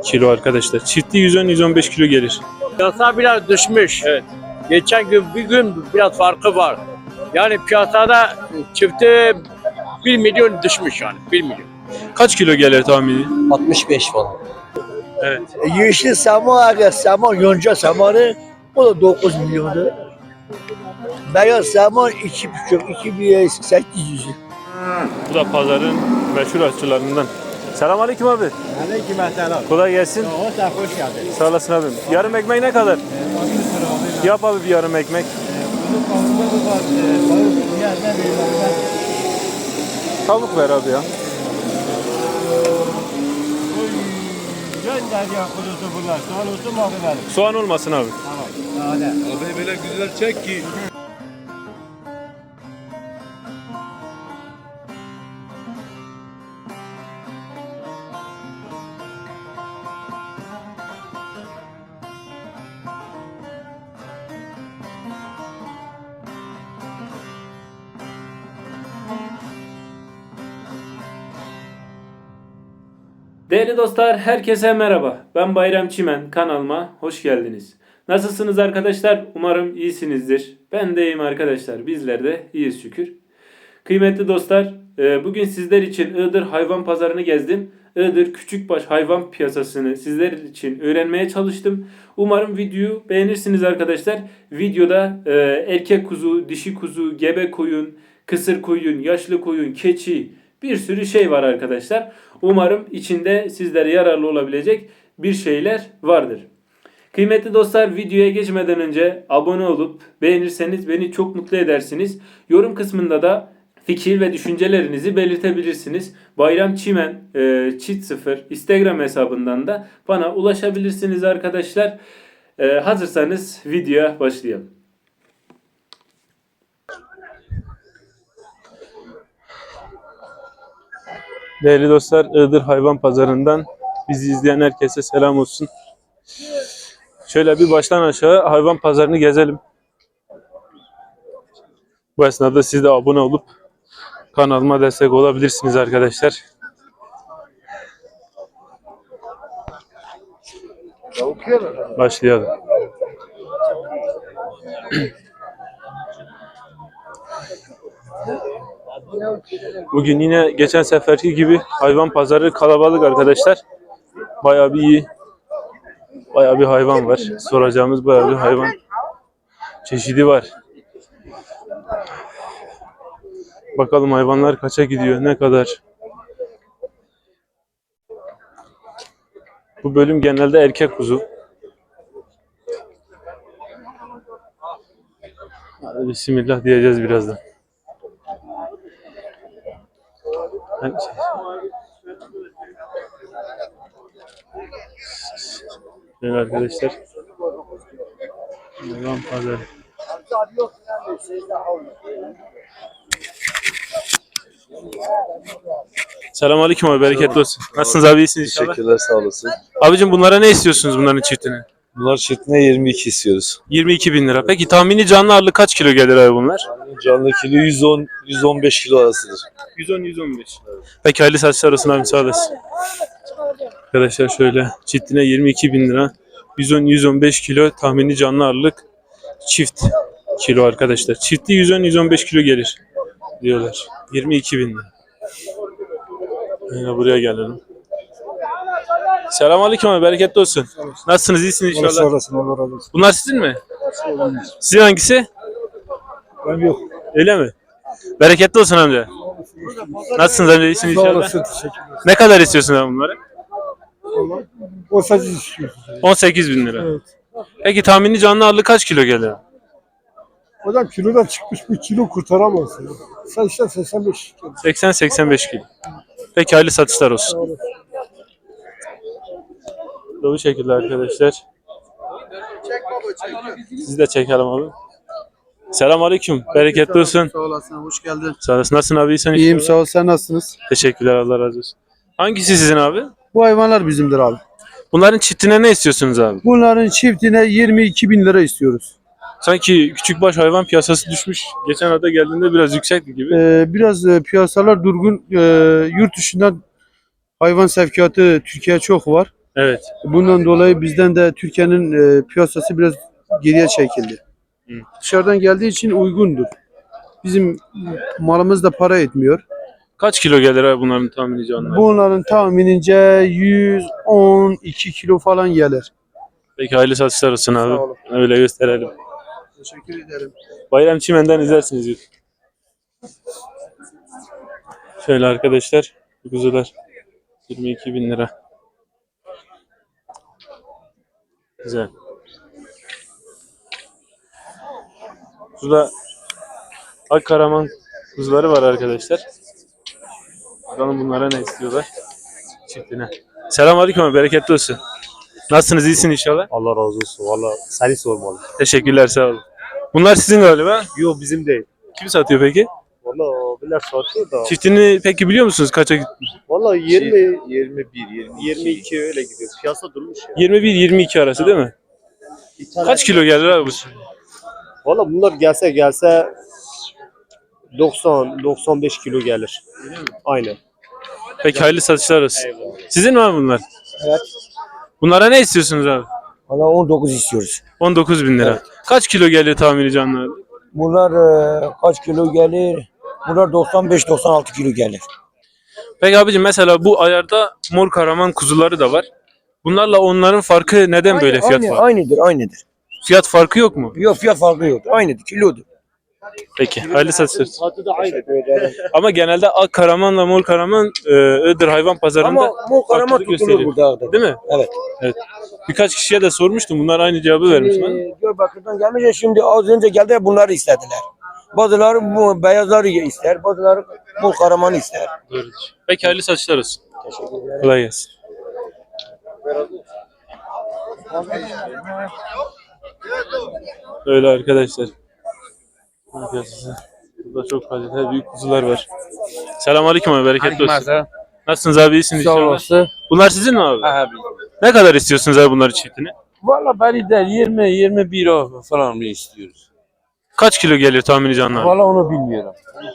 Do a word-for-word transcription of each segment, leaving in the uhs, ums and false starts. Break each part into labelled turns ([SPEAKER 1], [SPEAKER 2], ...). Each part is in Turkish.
[SPEAKER 1] kilo arkadaşlar. Çifti yüz on yüz on beş kilo gelir.
[SPEAKER 2] Piyasa biraz düşmüş.
[SPEAKER 1] Evet.
[SPEAKER 2] Geçen gün bir gün biraz farkı var. Yani piyasada çifti bir milyon düşmüş yani bir milyon.
[SPEAKER 1] Kaç kilo gelir tahmini?
[SPEAKER 3] altmış beş falan.
[SPEAKER 1] Evet.
[SPEAKER 4] Yeşil saman, aga saman, yonca samanı o da dokuz milyondu. Beyaz saman iki buçuk, iki bin sekiz yüz.
[SPEAKER 1] Bu da pazarın meşhur aşçılarından. Selamünaleyküm abi.
[SPEAKER 4] Aleyküm selam.
[SPEAKER 1] Kolay gelsin.
[SPEAKER 4] Hoş hoş geldin.
[SPEAKER 1] Sağ olasın abim. Yarım ekmek ne kadar? Yap abi bir yarım ekmek. Tavuk ver abi ya.
[SPEAKER 4] Gönder ya kuzusu bunlar. Sağ olsun mu abi benim?
[SPEAKER 1] Soğan olmasın abi.
[SPEAKER 4] Tamam. Hadi.
[SPEAKER 5] Abi böyle güzel çek ki.
[SPEAKER 1] Değerli dostlar, herkese merhaba. Ben Bayram Çimen, kanalıma hoş geldiniz. Nasılsınız arkadaşlar? Umarım iyisinizdir. Ben de iyiyim arkadaşlar. Bizler de iyiyiz şükür. Kıymetli dostlar, bugün sizler için Iğdır hayvan pazarını gezdim. Iğdır küçükbaş hayvan piyasasını sizler için öğrenmeye çalıştım. Umarım videoyu beğenirsiniz arkadaşlar. Videoda erkek kuzu, dişi kuzu, gebe koyun, kısır koyun, yaşlı koyun, keçi, bir sürü şey var arkadaşlar. Umarım içinde sizlere yararlı olabilecek bir şeyler vardır. Kıymetli dostlar, videoya geçmeden önce abone olup beğenirseniz beni çok mutlu edersiniz. Yorum kısmında da fikir ve düşüncelerinizi belirtebilirsiniz. Bayram Çimen e, çift sıfır Instagram hesabından da bana ulaşabilirsiniz arkadaşlar. E, hazırsanız videoya başlayalım. Değerli dostlar, Iğdır Hayvan Pazarı'ndan bizi izleyen herkese selam olsun. Şöyle bir baştan aşağı hayvan pazarını gezelim. Bu esnada siz de abone olup kanalıma destek olabilirsiniz arkadaşlar. Başlayalım. Bugün yine geçen seferki gibi hayvan pazarı kalabalık arkadaşlar. Bayağı bir iyi. Bayağı bir hayvan var. Soracağımız bayağı bir hayvan çeşidi var. Bakalım hayvanlar kaça gidiyor, ne kadar. Bu bölüm genelde erkek kuzu. Hadi bismillah diyeceğiz birazdan. Evet arkadaşlar. Hayvan pazarı. Selamünaleyküm abi, bereketli olsun. Nasılsınız abi, iyisiniz inşallah?
[SPEAKER 5] Teşekkürler, sağ olasın.
[SPEAKER 1] Abicim bunlara ne istiyorsunuz, bunların çiftini?
[SPEAKER 5] Bunlar çiftine yirmi iki istiyoruz.
[SPEAKER 1] yirmi iki bin lira. Peki tahmini canlı ağırlık kaç kilo gelir abi bunlar?
[SPEAKER 5] Canlı kilo yüz on yüz on beş kilo arasıdır.
[SPEAKER 1] yüz on yüz on beş. Peki hayırlı satışlar olsun abi, sağ olasın. Arkadaşlar şöyle çiftine yirmi iki bin lira. yüz on yüz on beş kilo tahmini canlı ağırlık çift kilo arkadaşlar. Çifti yüz on yüz on beş kilo gelir diyorlar. yirmi iki bin lira. Yine buraya gelelim. Selamünaleyküm abi, bereketli olsun. Nasılsınız, iyisiniz inşallah?
[SPEAKER 4] Sağ olasın, Allah razı olsun.
[SPEAKER 1] Bunlar sizin mi? Sizin hangisi?
[SPEAKER 4] Ben yok.
[SPEAKER 1] Öyle mi? Bereketli olsun amca. Nasılsınız amca, iyisiniz
[SPEAKER 4] Sağ
[SPEAKER 1] inşallah?
[SPEAKER 4] olasın, teşekkürler.
[SPEAKER 1] Ne kadar istiyorsun abi bunları?
[SPEAKER 4] O sadece istiyorsun.
[SPEAKER 1] on sekiz bin lira.
[SPEAKER 4] Evet.
[SPEAKER 1] Peki tahmini canlı ağırlık kaç kilo gelir?
[SPEAKER 4] Hocam kilodan çıkmış, bir kilo kurtaramaz. ya. Sen işte seksen beş kilo.
[SPEAKER 1] seksen seksen beş kilo. Peki hayırlı satışlar
[SPEAKER 4] Sağ
[SPEAKER 1] olsun.
[SPEAKER 4] olasın.
[SPEAKER 1] Bu şekilde arkadaşlar. Siz de çekelim abi. Selamünaleyküm. Bereketli olsun.
[SPEAKER 6] Sağ olasın, hoş geldin.
[SPEAKER 1] Sağ olasın. Nasılsın abi? İyisin
[SPEAKER 6] İyiyim,
[SPEAKER 1] inşallah.
[SPEAKER 6] sağ ol. Sen nasılsınız?
[SPEAKER 1] Teşekkürler. Allah razı olsun. Hangisi sizin abi?
[SPEAKER 6] Bu hayvanlar bizimdir abi.
[SPEAKER 1] Bunların çiftine ne istiyorsunuz abi?
[SPEAKER 6] Bunların çiftine yirmi iki bin lira istiyoruz.
[SPEAKER 1] Sanki küçükbaş hayvan piyasası düşmüş. Geçen hafta geldiğinde biraz yüksekti gibi.
[SPEAKER 6] Ee, biraz e, piyasalar durgun. Ee, yurt dışından hayvan sevkiyatı Türkiye çok var.
[SPEAKER 1] Evet.
[SPEAKER 6] Bundan dolayı bizden de Türkiye'nin e, piyasası biraz geriye çekildi.
[SPEAKER 1] Hı.
[SPEAKER 6] Dışarıdan geldiği için uygundur. Bizim malımız da para etmiyor.
[SPEAKER 1] Kaç kilo gelir abi bunların tahmini canlı?
[SPEAKER 6] Bunların tahminince yüz on iki kilo falan gelir.
[SPEAKER 1] Peki hayırlı satışlar olsun abi.
[SPEAKER 6] Sağ olun.
[SPEAKER 1] Öyle gösterelim.
[SPEAKER 6] Teşekkür ederim.
[SPEAKER 1] Bayram Çimen'den izlersiniz YouTube. Şöyle arkadaşlar. Bu kuzular yirmi iki bin lira. Güzel. Burada Akkaraman kuzuları var arkadaşlar. Bakalım bunlara ne istiyorlar. Çiftine. Selamünaleyküm abi, bereketli olsun. Nasılsınız, iyisin inşallah?
[SPEAKER 3] Allah razı olsun. Valla seni sormalı.
[SPEAKER 1] Teşekkürler, sağ olun. Bunlar sizin galiba.
[SPEAKER 3] Yok bizim değil.
[SPEAKER 1] Kim satıyor peki?
[SPEAKER 3] Valla bilir satıyor da.
[SPEAKER 1] Çiftini peki biliyor musunuz kaça gitti?
[SPEAKER 3] Valla yirmi,
[SPEAKER 5] yirmi bir, yirmi iki.
[SPEAKER 3] yirmi iki öyle gidiyor. Piyasa durmuş ya.
[SPEAKER 1] yirmi bir yirmi iki arası değil mi?
[SPEAKER 3] Bir tane-
[SPEAKER 1] Kaç kilo gelir abi bu?
[SPEAKER 3] Valla bunlar gelse gelse doksan doksan beş kilo gelir. Aynen.
[SPEAKER 1] Peki hayırlı satışlar olsun. Sizin mi abi bunlar?
[SPEAKER 7] Evet.
[SPEAKER 1] Bunlara ne istiyorsunuz abi?
[SPEAKER 7] Valla on dokuz istiyoruz.
[SPEAKER 1] on dokuz bin lira. Kaç kilo geliyor tahmini canlı abi?
[SPEAKER 7] Bunlar e, kaç kilo gelir? Bunlar doksan beş doksan altı kilo gelir.
[SPEAKER 1] Peki abicim, mesela bu ayarda mor karaman kuzuları da var. Bunlarla onların farkı neden böyle fiyat
[SPEAKER 7] aynı,
[SPEAKER 1] farkı?
[SPEAKER 7] aynıdır, aynıdır.
[SPEAKER 1] Fiyat farkı yok mu?
[SPEAKER 7] Yok fiyat farkı yok. Aynıdır, kilodur.
[SPEAKER 1] Peki hayırlı satışlar.
[SPEAKER 3] Tadı da aynı.
[SPEAKER 1] Ama genelde ak karamanla mor karaman e, Iğdır hayvan pazarında
[SPEAKER 7] Ama bu karama
[SPEAKER 1] farklılık
[SPEAKER 7] tutulur
[SPEAKER 1] gösteriyor.
[SPEAKER 7] burada. Ağda.
[SPEAKER 1] Değil mi?
[SPEAKER 7] Evet.
[SPEAKER 1] Evet. Birkaç kişiye de sormuştum. Bunlar aynı cevabı vermiş bana.
[SPEAKER 7] Şimdi Diyarbakır'dan gelmişler, şimdi az önce geldi bunları istediler. Bazıları bu beyazları ister, bazıları bu karamanı ister.
[SPEAKER 1] Doğrudur. Peki hayırlı satışlar olsun. Kolay gelsin. Öyle arkadaşlar. Arkadaşlar, burada çok kaliteli büyük kuzular var. Selamünaleyküm abi, bereketli olsun. Nasılsınız abi, iyisiniz
[SPEAKER 8] Sağ
[SPEAKER 1] inşallah?
[SPEAKER 8] olasın.
[SPEAKER 1] Bunlar sizin mi abi?
[SPEAKER 8] Abi.
[SPEAKER 1] Ne kadar istiyorsunuz abi bunları çiftini?
[SPEAKER 8] Valla beni de yirmi yirmi bir o falan mı istiyoruz?
[SPEAKER 1] Kaç kilo gelir tahmini canlı abi?
[SPEAKER 8] Valla onu bilmiyorum.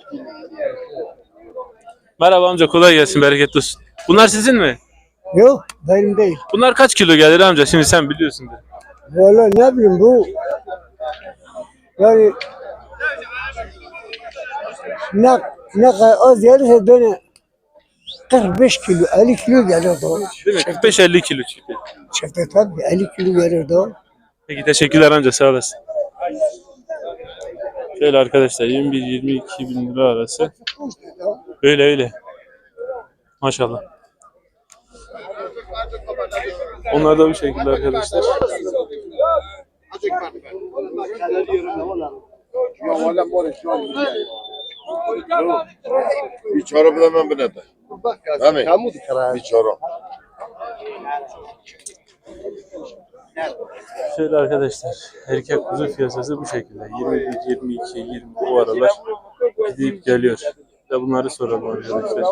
[SPEAKER 1] Merhaba amca, kolay gelsin, bereketli olsun. Bunlar sizin mi?
[SPEAKER 4] Yok benim değil.
[SPEAKER 1] Bunlar kaç kilo gelir amca? Şimdi sen biliyorsundur.
[SPEAKER 4] Valla ne bileyim bu. Yani ne, ne kadar az gelirse böyle kırk beş kilo, elli kilo gelir daha.
[SPEAKER 1] Değil mi? kırk beş elli kilo çifti.
[SPEAKER 4] Çifte tabii elli kilo gelir daha.
[SPEAKER 1] Peki teşekkürler amca, sağ olasın. Şöyle arkadaşlar, yirmi bir yirmi iki bin lira arası. Öyle öyle. Maşallah. Onlar da bu şekilde arkadaşlar.
[SPEAKER 9] Bir çorap hemen bu nedir? Değil mi? Bir çorap.
[SPEAKER 1] Şöyle arkadaşlar, erkek kuzu piyasası bu şekilde. yirmi bir, yirmi iki, yirmi bu aralar gidip geliyor. Ve bunları soralım arkadaşlar.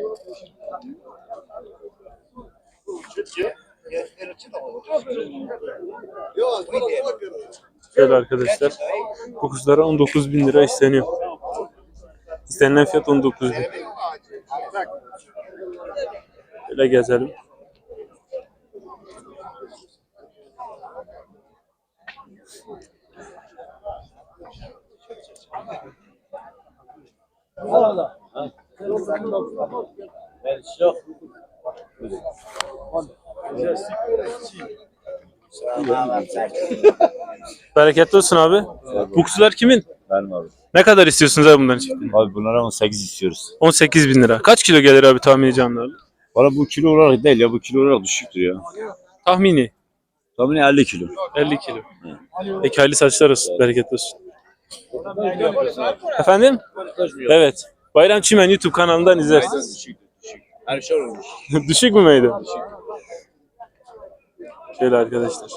[SPEAKER 1] Şöyle arkadaşlar, bu kuzulara on dokuz bin lira isteniyor. İstenilen fiyat on dokuz bin. Şöyle gezelim. Bereketli olsun abi. Bu kuzular kimin?
[SPEAKER 5] Benim abi.
[SPEAKER 1] Ne kadar istiyorsunuz abi bunların çiftini?
[SPEAKER 5] Abi bunlara on sekiz istiyoruz.
[SPEAKER 1] on sekiz bin lira. Kaç kilo gelir abi tahmini canlı?
[SPEAKER 5] Valla bu kilo olarak değil ya, bu kilo olarak düşüktür ya.
[SPEAKER 1] Tahmini
[SPEAKER 5] Tahmini elli kilo.
[SPEAKER 1] elli kilo. Peki hayırlı saçlar olsun. Bereketli olsun. Efendim? Evet. Bayram Çimen YouTube kanalından izlersiniz.
[SPEAKER 5] Her şey olmuş.
[SPEAKER 1] Düşük mü meydan? Şöyle arkadaşlar.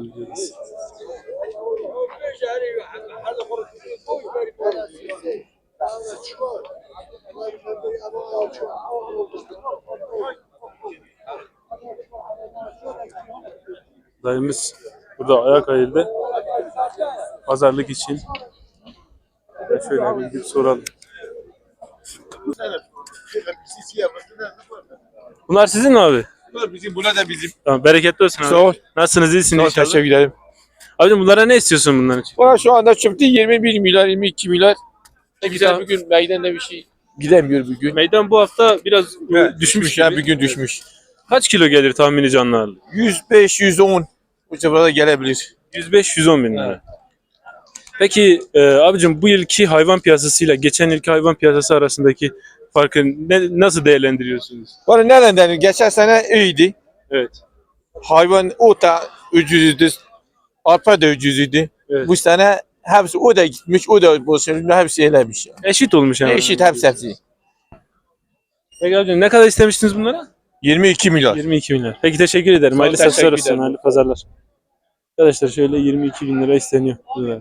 [SPEAKER 1] Dayımız burada ayak ayıldı. Pazarlık için. Şöyle bir gidip soralım. Bunlar sizin mi abi?
[SPEAKER 9] bizim, buna da bizim.
[SPEAKER 1] Tamam, bereketli olsun abi.
[SPEAKER 9] Sağ ol.
[SPEAKER 1] Nasılsınız, iyisiniz
[SPEAKER 9] Sağ ol,
[SPEAKER 1] inşallah?
[SPEAKER 9] teşekkür ederim.
[SPEAKER 1] Abicim bunlara ne istiyorsun bunların için?
[SPEAKER 9] Bana şu anda çıktı yirmi bir milyar, yirmi iki milyar. Ne güzel
[SPEAKER 1] Tamam.
[SPEAKER 9] bugün meydanda bir şey gidemiyor bugün.
[SPEAKER 1] Meydan bu hafta biraz
[SPEAKER 9] Evet,
[SPEAKER 1] düşmüş
[SPEAKER 9] ya
[SPEAKER 1] gibi.
[SPEAKER 9] bugün düşmüş.
[SPEAKER 1] Kaç kilo gelir tahmini canlı ağırlığı?
[SPEAKER 9] yüz beş yüz on bu civarda gelebilir.
[SPEAKER 1] yüz beş yüz on bin lira. Peki e, abicim bu yılki hayvan piyasasıyla geçen yılki hayvan piyasası arasındaki farkı ne, nasıl değerlendiriyorsunuz?
[SPEAKER 9] Bana nereden denir? Geçen sene iyiydi.
[SPEAKER 1] Evet.
[SPEAKER 9] Hayvan o da ucuzdu. Arpa da ucuzdu.
[SPEAKER 1] Evet.
[SPEAKER 9] Bu sene hepsi o da gitmiş, o da boşalmış, hepsi eylemiş. Yani.
[SPEAKER 1] Eşit olmuş yani.
[SPEAKER 9] Eşit hepsi hepsi.
[SPEAKER 1] Peki abicim ne kadar istemiştiniz bunlara?
[SPEAKER 9] yirmi iki milyar.
[SPEAKER 1] yirmi iki bin lira. Peki teşekkür ederim.
[SPEAKER 9] Sağ ol,
[SPEAKER 1] Hayırlı
[SPEAKER 9] teşekkür
[SPEAKER 1] satışlar olsun.
[SPEAKER 9] ederim.
[SPEAKER 1] Hayırlı pazarlar. Arkadaşlar şöyle yirmi iki bin lira isteniyor. Güzel.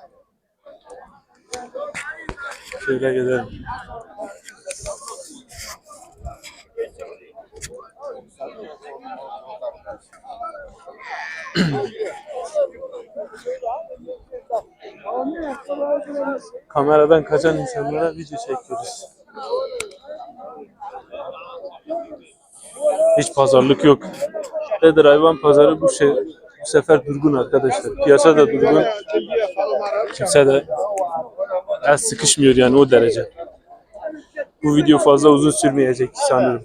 [SPEAKER 1] Şöyle gidelim. Kameradan kaçan insanlara video çekiyoruz. Hiç pazarlık yok. Nedir hayvan pazarı bu şey bu sefer durgun arkadaşlar. Piyasa da durgun. Kimse de el sıkışmıyor yani o derece. Bu video fazla uzun sürmeyecek sanırım.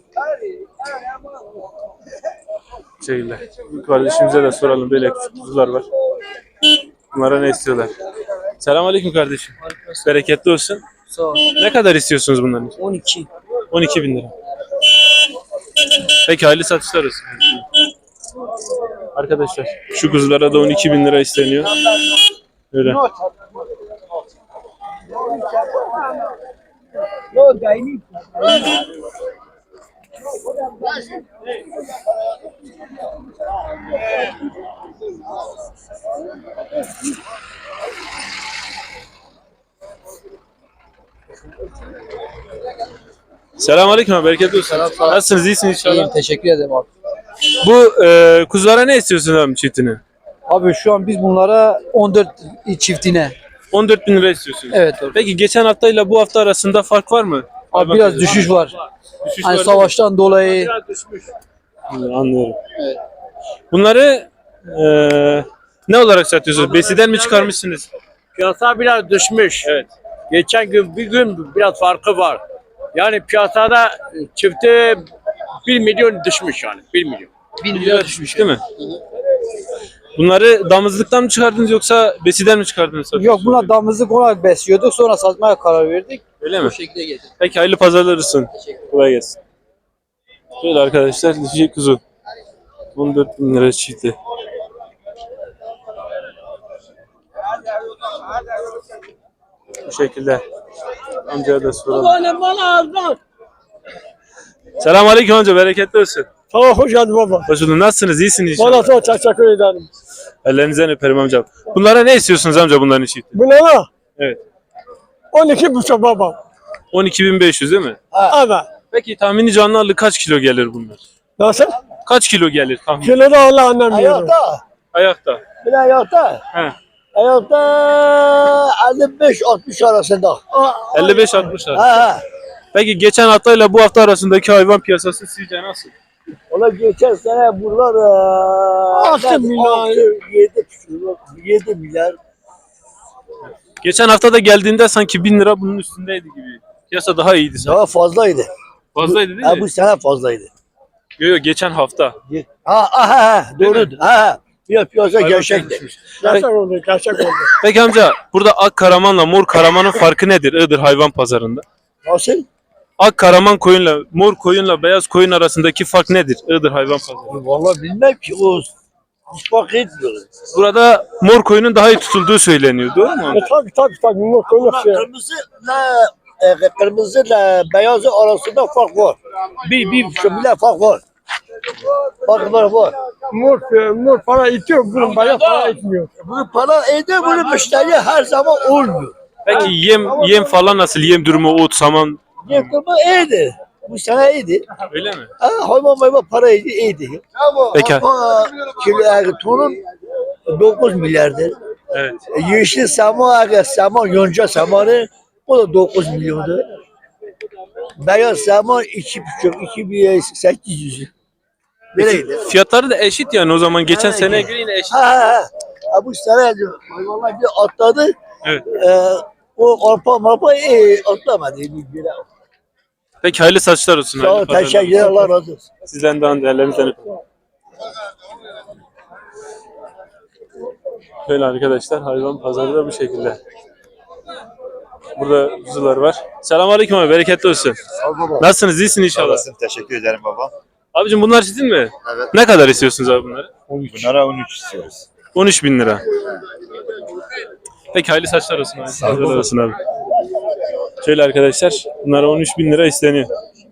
[SPEAKER 1] Şeyler. Kardeşimize de soralım, böyle kuzular var. Bunlara ne istiyorlar? Selamünaleyküm kardeşim. Bereketli olsun.
[SPEAKER 7] Sağ ol.
[SPEAKER 1] Ne kadar istiyorsunuz bunların için?
[SPEAKER 7] on iki.
[SPEAKER 1] on iki bin lira. Peki hayırlı satışlar olsun. Arkadaşlar şu kuzulara da on iki bin lira isteniyor. Öyle. Selamünaleyküm abi, bereketli olsun. Nasılsınız, iyisiniz inşallah?
[SPEAKER 7] İyiyim, teşekkür ederim abi.
[SPEAKER 1] Bu e, kuzulara ne istiyorsun abi çiftini?
[SPEAKER 7] Abi şu an biz bunlara on dört çiftine.
[SPEAKER 1] on dört bin lira istiyorsunuz.
[SPEAKER 7] Evet abi.
[SPEAKER 1] Peki geçen haftayla bu hafta arasında fark var mı?
[SPEAKER 7] Abi biraz düşüş var.
[SPEAKER 1] Düşüş
[SPEAKER 7] Hani
[SPEAKER 1] var
[SPEAKER 7] savaştan dolayı.
[SPEAKER 1] değil mi? Anlıyorum. Bunları e, ne olarak satıyorsunuz? Besiden mi çıkarmışsınız?
[SPEAKER 2] Piyasa biraz düşmüş.
[SPEAKER 1] Evet.
[SPEAKER 2] Geçen gün bir gün biraz farkı var. Yani piyasada çifti bir milyon düşmüş yani. Bir milyon.
[SPEAKER 1] bin lira düşmüş değil mi? Bunları damızlıktan mı çıkardınız yoksa besiden mi çıkardınız?
[SPEAKER 7] Yok, buna damızlık olarak besliyorduk. Sonra satmaya karar verdik.
[SPEAKER 1] Öyle mi?
[SPEAKER 7] Bu şekilde getirdik.
[SPEAKER 1] Peki hayırlı pazarlar olsun. Kolay gelsin. Şöyle arkadaşlar dişi kuzu. on dört bin lira çifti. Bu şekilde. Amcaya da soralım. Selamünaleyküm amca, bereketli olsun.
[SPEAKER 2] Tamam, hoş geldin baba.
[SPEAKER 1] Hoş bulduk. Nasılsınız? İyisiniz inşallah.
[SPEAKER 2] Valla çok teşekkür ederim.
[SPEAKER 1] Ellerinizden öperim amcam. Bunlara ne istiyorsunuz amca bunların çifti?
[SPEAKER 2] Bunlara
[SPEAKER 1] Evet.
[SPEAKER 2] on iki buçuk baba.
[SPEAKER 1] on iki bin beş yüz değil mi?
[SPEAKER 2] Evet.
[SPEAKER 1] Peki tahmini canlı ağırlığı kaç kilo gelir bunlar?
[SPEAKER 2] Nasıl?
[SPEAKER 1] Kaç kilo gelir tahmin?
[SPEAKER 2] Kilo da Allah annem yiyorum.
[SPEAKER 4] Ayakta.
[SPEAKER 1] Ayakta.
[SPEAKER 4] Bir de ayakta.
[SPEAKER 1] He.
[SPEAKER 4] Ayakta elli beş altmış arasında.
[SPEAKER 1] elli beş altmış lira.
[SPEAKER 4] Ha ha.
[SPEAKER 1] Peki geçen haftayla bu hafta arasındaki hayvan piyasası sizce nasıl?
[SPEAKER 4] Ola geçen sene buralar eee,
[SPEAKER 2] Altı milyar.
[SPEAKER 4] yedi yedi milyar.
[SPEAKER 1] Geçen hafta da geldiğinde sanki bin lira bunun üstündeydi gibi. Piyasa daha iyiydi sanki.
[SPEAKER 4] Daha fazlaydı.
[SPEAKER 1] Fazlaydı değil
[SPEAKER 4] Ha,
[SPEAKER 1] mi?
[SPEAKER 4] bu sene fazlaydı.
[SPEAKER 1] Yok yok, geçen hafta.
[SPEAKER 4] Ha ha ha.
[SPEAKER 1] Değil
[SPEAKER 4] Doğru.
[SPEAKER 1] mi?
[SPEAKER 4] Ha ha. Bir piyasa
[SPEAKER 1] Hayvan
[SPEAKER 4] gerçekti.
[SPEAKER 1] düşmüş.
[SPEAKER 2] Gerçek oldu, gerçek oldu.
[SPEAKER 1] Peki amca burada ak karamanla mor karamanın farkı nedir Iğdır hayvan pazarında?
[SPEAKER 4] Nasıl?
[SPEAKER 1] Ak karaman koyunla mor koyunla beyaz koyun arasındaki fark nedir Iğdır hayvan pazarında?
[SPEAKER 4] Vallahi bilmem ki o hiç fark etmiyor.
[SPEAKER 1] Burada mor koyunun daha iyi tutulduğu söyleniyor. Doğru mu?
[SPEAKER 2] E, tabii tabii tabii. Bunlar
[SPEAKER 4] Ama
[SPEAKER 2] koymak şey.
[SPEAKER 4] kırmızıyla e, kırmızıyla beyazı arasında fark var. Bir bir buçuk milyar fark var. Fark var var.
[SPEAKER 2] Mor, e, mor para itiyor, bunun bayağı para itmiyor.
[SPEAKER 4] Bunu para ediyor, bunu müşteri her zaman olmuyor.
[SPEAKER 1] Peki yem yem falan nasıl? Yem durumu, ot, saman
[SPEAKER 4] Yıkımı iyiydi. Bu sene iyiydi.
[SPEAKER 1] öyle mi?
[SPEAKER 4] Ha, hayvan hayvan para iyiydi, iyiydi.
[SPEAKER 1] Peki.
[SPEAKER 4] Ama kilo yani tonun dokuz milyardır.
[SPEAKER 1] Evet.
[SPEAKER 4] E, Yeşil saman, eğer saman, yonca samanı o da dokuz milyondu. Beyaz saman iki buçuk, iki bin sekiz yüz. Böyleydi.
[SPEAKER 1] Fiyatları da eşit yani o zaman geçen
[SPEAKER 4] Evet.
[SPEAKER 1] seneye göre yine eşit.
[SPEAKER 4] Ha ha ha. Ha, bu sene diyor. Vallahi bir atladı.
[SPEAKER 1] Evet.
[SPEAKER 4] Ee, o arpa marpa e, atlamadı. Bir, bir,
[SPEAKER 1] Peki hayırlı saçlar olsun.
[SPEAKER 4] Sağ ol,
[SPEAKER 1] hayırlı pazarlar.
[SPEAKER 4] teşekkür ederim. Allah razı olsun.
[SPEAKER 1] Sizden de değerlerinizden öpün. Böyle arkadaşlar hayvan pazarı da bu şekilde. Burada kuzular var. Selamünaleyküm abi, bereketli olsun. Nasılsınız? İyisin inşallah.
[SPEAKER 5] Teşekkür ederim baba.
[SPEAKER 1] Abicim bunlar sizin mi?
[SPEAKER 5] Evet.
[SPEAKER 1] Ne kadar istiyorsunuz abi bunları?
[SPEAKER 5] Bunlara on üç istiyoruz.
[SPEAKER 1] on üç bin lira. Peki hayırlı saçlar olsun abi. Saçlar olsun abi. Şöyle arkadaşlar bunlara on üç bin lira isteniyor.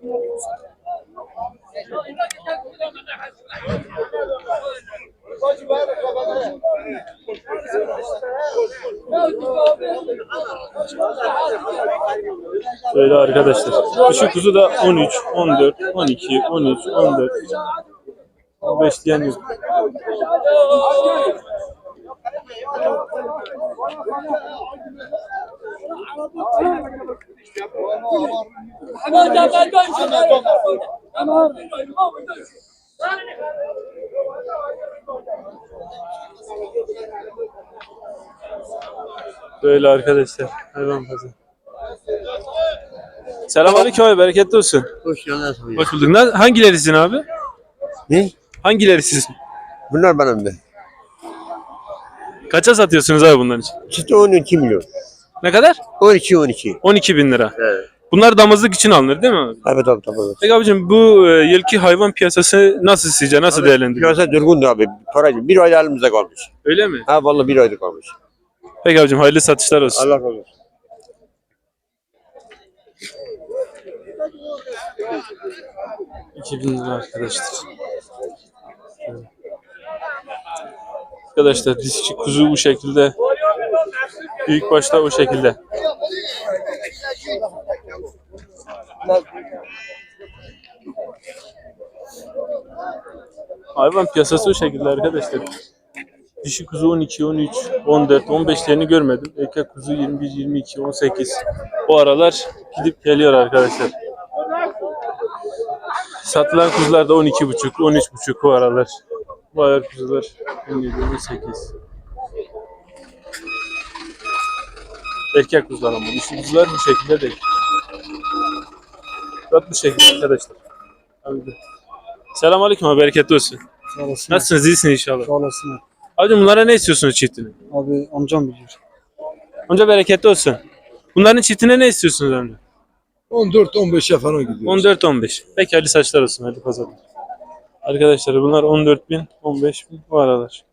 [SPEAKER 1] Böyle arkadaşlar. Şu kuzu da on üç, on dört, on iki, on üç, on dört, on beş diyen yok. Böyle arkadaşlar. Hayvan pazarı. Selamünaleyküm abi, bereketli olsun.
[SPEAKER 7] Hoş geldin.
[SPEAKER 1] Hoş bulduk. Ne- Hangileri sizin abi?
[SPEAKER 7] Ne?
[SPEAKER 1] Hangileri sizin?
[SPEAKER 7] Bunlar benim de.
[SPEAKER 1] Kaça satıyorsunuz abi bunların için?
[SPEAKER 7] Çıtı on iki milyon.
[SPEAKER 1] Ne kadar?
[SPEAKER 7] on iki on iki.
[SPEAKER 1] on iki bin lira.
[SPEAKER 7] Evet.
[SPEAKER 1] Bunlar damızlık için alınır değil mi abi?
[SPEAKER 7] Evet abi tabii. Evet.
[SPEAKER 1] Peki abicim bu e, yılki hayvan piyasası nasıl sizce? Nasıl değerlendiriyorsunuz?
[SPEAKER 7] Piyasa durgundu abi. Paracı bir ayda elimizde kalmış.
[SPEAKER 1] Öyle mi?
[SPEAKER 7] Ha vallahi bir ayda kalmış.
[SPEAKER 1] Peki abicim hayırlı satışlar olsun.
[SPEAKER 7] Allah razı olsun.
[SPEAKER 1] iki bin lira arkadaşlar. Arkadaşlar dişçi kuzu bu şekilde. Büyük başta o şekilde. Hayvan piyasası o şekilde arkadaşlar. Dişi kuzu on iki, on üç, on dört, on beşlerini görmedim. Erkek kuzu yirmi bir, yirmi iki, on sekiz. O aralar gidip geliyor arkadaşlar. Satılan kuzular da on iki buçuk, on üç buçuk o aralar. Bu ayar kuzular on yedi, on sekiz. Erkek kuzular ama dişi kuzular bu şekilde değil. Bak bu şekilde arkadaşlar. Abi. Selamünaleyküm abi, bereketli olsun.
[SPEAKER 6] Sağ olasın.
[SPEAKER 1] Nasılsınız? İyisiniz inşallah.
[SPEAKER 6] Sağ olasın.
[SPEAKER 1] Abi bunlara ne istiyorsunuz çiftini?
[SPEAKER 6] Abi amcam biliyor.
[SPEAKER 1] Amca bereketli olsun. Bunların çiftine ne istiyorsunuz amca?
[SPEAKER 9] on dört on beşe falan gidiyor.
[SPEAKER 1] on dört on beş. Peki hayırlı saçlar olsun. Hadi pazarlar. Arkadaşlar bunlar on dört bin, on beş bin bu aralar.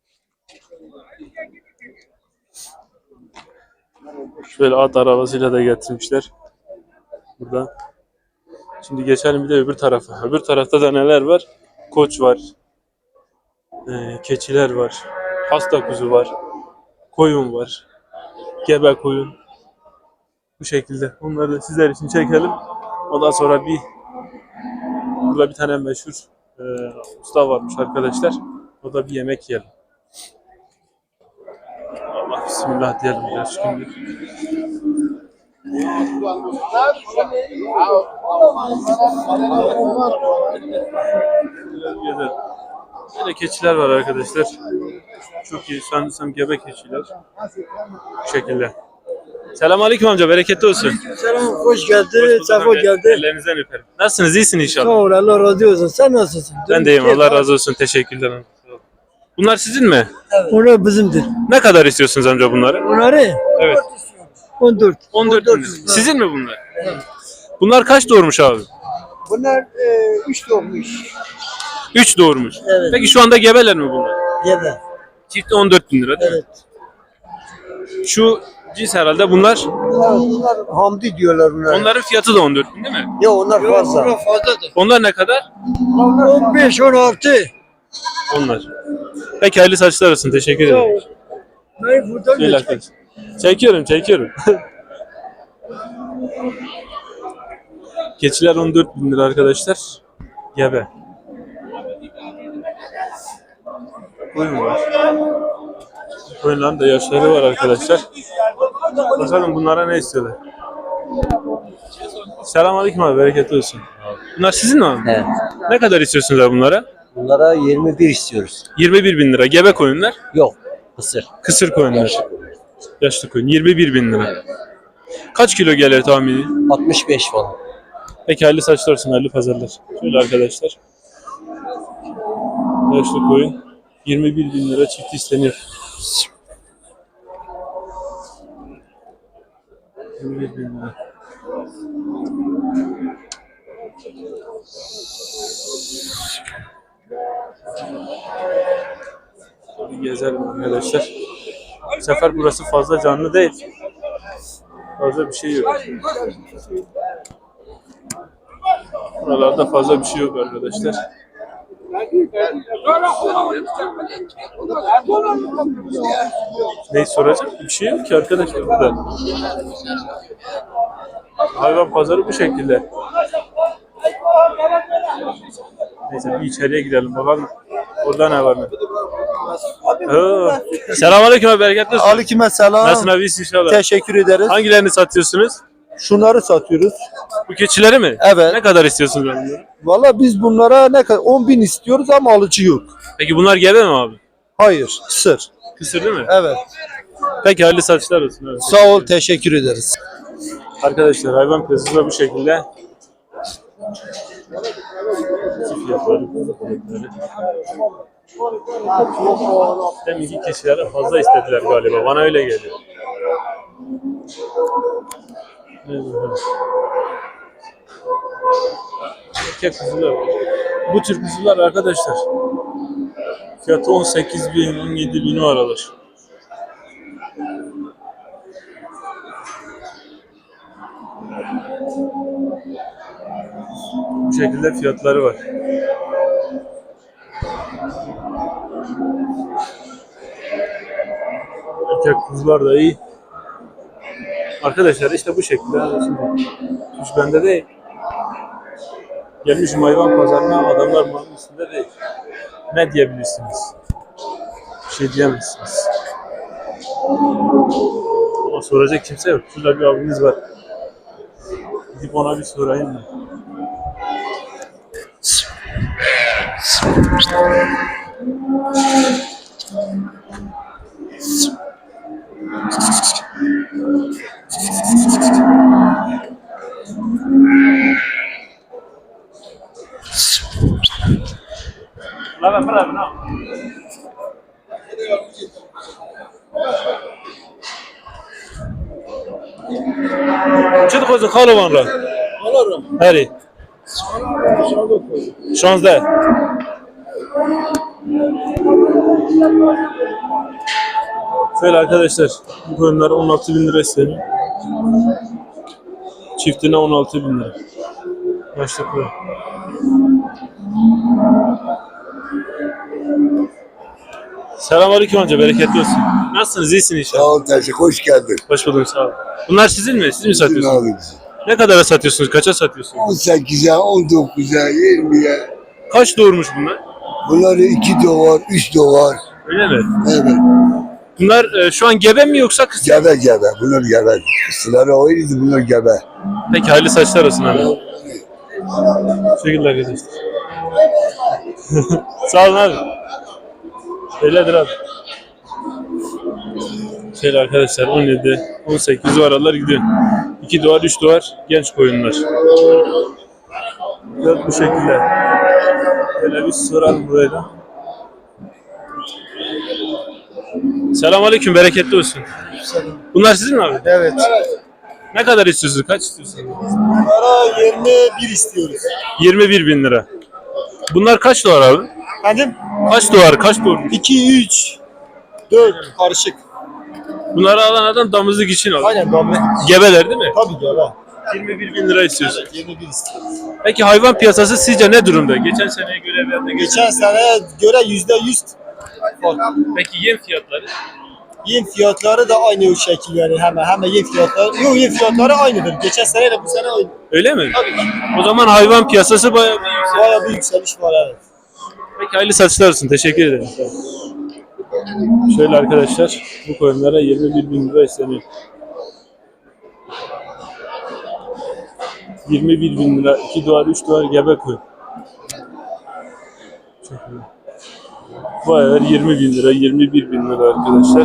[SPEAKER 1] Şöyle at arabasıyla da getirmişler. Burada. Şimdi geçelim bir de öbür tarafa. Öbür tarafta da neler var? Koç var. Ee, keçiler var. Hasta kuzu var. Koyun var. Gebe koyun. Bu şekilde. Onları da sizler için çekelim. Ondan sonra bir burada bir tane meşhur e, usta varmış arkadaşlar. O da bir yemek yiyelim. Allah bismillah diyelim ya şimdi. Gezelim. Böyle keçiler var arkadaşlar. Çok iyi. Sanırsam gebe keçiler. Bu şekilde. Selamünaleyküm amca, bereketli olsun.
[SPEAKER 4] Selam, hoş geldin.
[SPEAKER 1] Hoş
[SPEAKER 4] Sefa
[SPEAKER 1] bulduk amca.
[SPEAKER 4] geldin.
[SPEAKER 1] Ellerinizden öperim. Nasılsınız? İyisiniz inşallah.
[SPEAKER 4] Sağ ol, Allah razı olsun. Sen nasılsın?
[SPEAKER 1] Ben de iyiyim. Allah razı olsun. Teşekkürler. Bunlar sizin mi?
[SPEAKER 4] Onlar bizimdir.
[SPEAKER 1] Ne kadar istiyorsunuz amca bunları?
[SPEAKER 4] Bunları
[SPEAKER 1] Evet.
[SPEAKER 4] on dört.
[SPEAKER 1] on dört bin lira. Sizin mi bunlar? Bunlar kaç doğurmuş abi?
[SPEAKER 4] Bunlar e, üç doğmuş.
[SPEAKER 1] üç doğurmuş.
[SPEAKER 4] Evet.
[SPEAKER 1] Peki şu anda gebeler mi bunlar?
[SPEAKER 4] Gebe.
[SPEAKER 1] Çifti on dört bin lira değil
[SPEAKER 4] Evet.
[SPEAKER 1] mi? Şu cins herhalde bunlar.
[SPEAKER 4] Bunlar, bunlar Hamdi diyorlar bunlar.
[SPEAKER 1] Onların fiyatı da on dört bin değil mi?
[SPEAKER 4] Ya onlar fazla. Onlar fazladır.
[SPEAKER 1] Onlar ne kadar?
[SPEAKER 4] on beş on altı.
[SPEAKER 1] Onlar. Peki hayırlı saçlar olsun. Teşekkür ederim.
[SPEAKER 4] Ben buradan
[SPEAKER 1] Şöyle arkadaşlar. Çekiyorum, çekiyorum. Keçiler on dört bin lira arkadaşlar. Gebe. Koyun var. Koyunların da yaşları var arkadaşlar. Bakalım bunlara ne istiyorlar. Selamünaleyküm abi, bereketli olsun. Bunlar sizin mi abi?
[SPEAKER 7] Evet.
[SPEAKER 1] Ne kadar istiyorsunuz abi bunlara?
[SPEAKER 4] Bunlara yirmi bir istiyoruz.
[SPEAKER 1] yirmi bir bin lira. Gebe koyunlar.
[SPEAKER 4] Yok. Kısır.
[SPEAKER 1] Kısır koyunlar. Yaşlı koyun. yirmi bir bin lira. Kaç kilo gelir tahmini?
[SPEAKER 4] altmış beş falan.
[SPEAKER 1] Peki hayırlı saçlar olsun, hayırlı pazarlar. Şöyle arkadaşlar. Yaşlı koyun. yirmi bir bin lira çift isteniyor. yirmi bir bin lira. Bir gezelim arkadaşlar. Bu sefer burası fazla canlı değil. Fazla bir şey yok. Buralarda fazla bir şey yok arkadaşlar. Ne soracağım? Bir şey yok ki arkadaşlar burada. Hayvan pazarı bu şekilde. Neyse bir içeriye gidelim bakalım. Orada ne var mı? Oo. Selamünaleyküm abi, bereketli olsun.
[SPEAKER 6] Aleykümselam.
[SPEAKER 1] Nasılsın abi, iyisin inşallah.
[SPEAKER 6] Teşekkür ederiz.
[SPEAKER 1] Hangilerini satıyorsunuz?
[SPEAKER 6] Şunları satıyoruz.
[SPEAKER 1] Bu keçileri mi?
[SPEAKER 6] Evet.
[SPEAKER 1] Ne kadar istiyorsunuz bunları?
[SPEAKER 6] Valla biz bunlara ne kadar on bin istiyoruz ama alıcı yok.
[SPEAKER 1] Peki bunlar gebe mi abi?
[SPEAKER 6] Hayır. Sır.
[SPEAKER 1] Kısır değil mi?
[SPEAKER 6] Evet.
[SPEAKER 1] Peki hayırlı satışlar olsun. Evet.
[SPEAKER 6] Sağ ol. Teşekkür ederiz.
[SPEAKER 1] Arkadaşlar hayvan piyasası da bu şekilde. Fiyatları, fiyatları. Deminki kişilere fazla istediler galiba. Bana öyle geliyor. Erkek kuzular. Bu tür kuzular arkadaşlar. Fiyatı on sekiz bin, on yedi bin o aralar. Bu şekilde fiyatları var. Erkek kuzular da iyi. Arkadaşlar işte bu şekilde. Şimdi hiç bende değil. Gelmişim hayvan pazarına, adamlar malın üstünde değil. Ne diyebilirsiniz? Bir şey diyemezsiniz. Ama soracak kimse yok. Şurada bir abimiz var. Gidip ona bir sorayım mı? Bravo, bravo, no. چه خوز خالو وان را؟ هری. شانزده. Şöyle arkadaşlar, bu koyunlar on altı bin lira isteniyor. Çiftine on altı bin lira. Yaşlı koyun. Selamünaleyküm amca, bereketli olsun. Nasılsınız, iyisiniz inşallah?
[SPEAKER 4] Sağ ol teşekkür. Hoş geldin.
[SPEAKER 1] Hoş bulduk, sağ olun. Bunlar sizin mi? Siz mi satıyorsunuz?
[SPEAKER 4] Abi.
[SPEAKER 1] Ne kadara satıyorsunuz? Kaça satıyorsunuz?
[SPEAKER 4] on sekize, on dokuza, yirmiye.
[SPEAKER 1] Kaç doğurmuş bunlar?
[SPEAKER 4] Bunları iki doğar, üç doğar.
[SPEAKER 1] Öyle mi?
[SPEAKER 4] Evet.
[SPEAKER 1] Bunlar e, şu an gebe mi yoksa kız?
[SPEAKER 4] Gebe gebe. Bunlar gebe. Kısıları oydu, bunlar gebe.
[SPEAKER 1] Peki hayırlı saçlar olsun abi. Teşekkürler arkadaşlar. Sağ olun abi. Öyledir abi. Şöyle arkadaşlar on yedi, on sekiz o aralar gidiyor. iki doğar, üç doğar genç koyunlar. Biraz bu şekilde. Böyle bir soralım buraya da. Selamünaleyküm, bereketli olsun. Bunlar sizin mi abi?
[SPEAKER 6] Evet.
[SPEAKER 1] Ne kadar istiyorsunuz? Kaç istiyorsunuz?
[SPEAKER 6] Bunlara yirmi bir istiyoruz.
[SPEAKER 1] yirmi bir bin lira. Bunlar kaç doğar abi?
[SPEAKER 6] Efendim?
[SPEAKER 1] Kaç doğar? Kaç doğar?
[SPEAKER 6] iki, üç, dört karışık.
[SPEAKER 1] Bunları alan adam damızlık için alır.
[SPEAKER 6] Aynen abi.
[SPEAKER 1] Gebeler değil mi?
[SPEAKER 6] Tabii gebe.
[SPEAKER 1] yirmi bir bin lira istiyorsun.
[SPEAKER 6] yirmi bir istiyoruz.
[SPEAKER 1] Peki hayvan piyasası sizce ne durumda? Geçen seneye göre veya da geçen...
[SPEAKER 6] Geçen seneye göre yüzde yüz fark.
[SPEAKER 1] Peki yem fiyatları?
[SPEAKER 6] Yem fiyatları da aynı o şekil yani hemen hemen yem fiyatları. Yok yem fiyatları aynıdır. Geçen seneyle bu sene aynı.
[SPEAKER 1] Öyle mi?
[SPEAKER 6] Tabii ki.
[SPEAKER 1] O zaman hayvan piyasası bayağı bir yüksek.
[SPEAKER 6] Bayağı bir yükseliş var evet.
[SPEAKER 1] Peki hayırlı satışlar olsun. Teşekkür ederim. Şöyle arkadaşlar, bu koyunlara yirmi bir bin lira isteniyor. yirmi bir bin lira, iki doğar, üç doğar gebe koyun. şekilde. Bu ayar yirmi bin lira, yirmi bir bin lira arkadaşlar.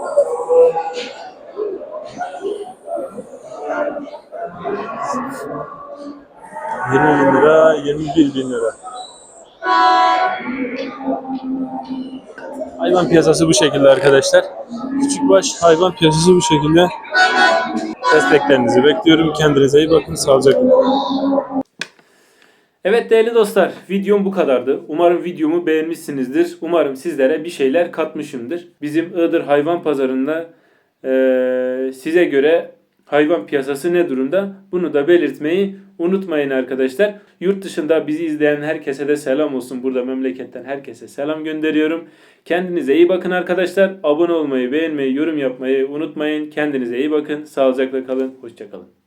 [SPEAKER 1] yirmi bin lira, yirmi bir bin lira. Hayvan piyasası bu şekilde arkadaşlar. Küçükbaş hayvan piyasası bu şekilde. Desteklerinizi bekliyorum. Kendinize iyi bakın. Sağlıcakla kalın. Evet değerli dostlar, videom bu kadardı. Umarım videomu beğenmişsinizdir. Umarım sizlere bir şeyler katmışımdır. Bizim Iğdır Hayvan Pazarı'nda eee, size göre hayvan piyasası ne durumda? Bunu da belirtmeyi unutmayın arkadaşlar. Yurt dışında bizi izleyen herkese de selam olsun. Burada memleketten herkese selam gönderiyorum. Kendinize iyi bakın arkadaşlar. Abone olmayı, beğenmeyi, yorum yapmayı unutmayın. Kendinize iyi bakın. Sağlıcakla kalın. Hoşça kalın.